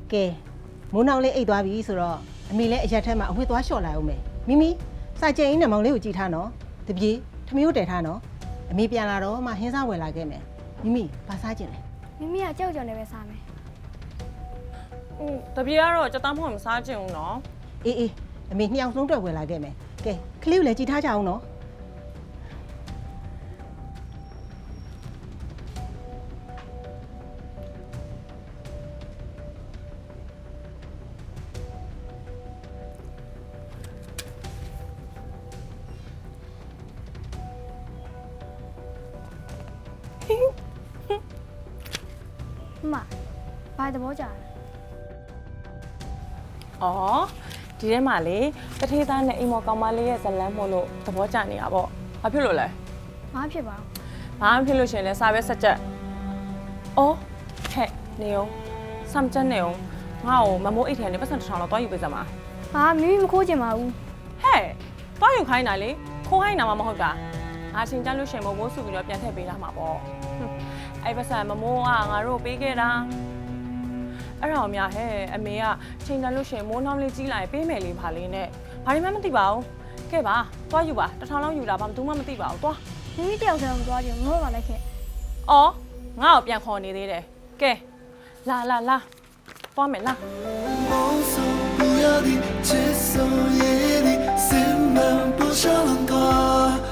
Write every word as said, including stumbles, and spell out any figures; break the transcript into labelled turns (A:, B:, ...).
A: ကဲမိုးနောက်လေးအိတ်သွားပြီဆိုတော့အမေလည်းအရက်ထဲမှာအဝတ်သွားလျှော့လိုက်အောင်မယ်မိမိစာကျင်အင်းနဲ့မောင်လေးကိုကြည်ထားနော်တပြေထမင်းကိုတည်ထားနော်အမေပြန်လာတော့မှဟင်းစားဝယ်လာခဲ့မယ်မိမိဘာစားကျင်လဲ
B: မိမိကကြောက်ကြော်နေပဲစားမယ်
C: อืมတပြေကတော့ကြက်သားမဟုတ်မစားချင်ဘူးနော်
A: အေးအေးအမေနှစ်ယောက်ဆုံးတွေ့ဝယ်လာခဲ့မယ်ကဲခလေးကိုလည်းကြည်ထားကြအောင်နော်
B: မဘာသဘောကြလဲ
C: อ๋อဒီထဲမှာလေတထေးသားနဲ့အိမ်မော်ကောင်မလေးရဲ့ဇလန်းမို့လို့သဘောကျနေတာပေါ့ဘာဖြစ်လို့လဲ
B: ဘာဖြစ်ပါ
C: ဘာမှဖြစ်လို့ရှရင်လဲစာပဲဆက်ချက်အော်ဟဲ့နေအောင်စမ်းချက်နေအောင်ငါ့ကိုမမိုးအိတ်ထဲကနေပတ်စံတစ်ထောင်လောက်တွားယူပေးစမ်းပါ
B: ဘာမိမိမခိုးချင်ပါဘူး
C: ဟဲ့တွားယူခိုင်းတာလေခိုးခိုင်းတာမှမဟုတ်တာငါချင်းကြလို့ရှရင်မမိုးစုပြီးတော့ပြန်ထည့်ပေးလာမှာပေါ့အဲ့ပတ်စံမမိုးကငါတို့ပေးခဲ့တာအဲ့ဒါအများဟဲ့အမေကချိန်ကြလို့ရှရင်မိုးနှောင်းလေးကြီးလာရင်ပေးမယ်လေပါလေးနဲ့ဘာမှမသိပါဘူးကဲပါတွားယူပါတစ်ထောင်လောက်ယူတာဘာမှသူမှမသိပါဘူးတွား
B: မိမိတယောက်တည်းမသွားချင်ဘူးငါ့ဘာလဲခဲ့
C: အော်ငါ့ကိုပြန်ခေါ်နေသေးတယ်ကဲလာလာလာသွားမယ်လာ
D: 梦送不要的，接受夜里，心门不少冷瓜。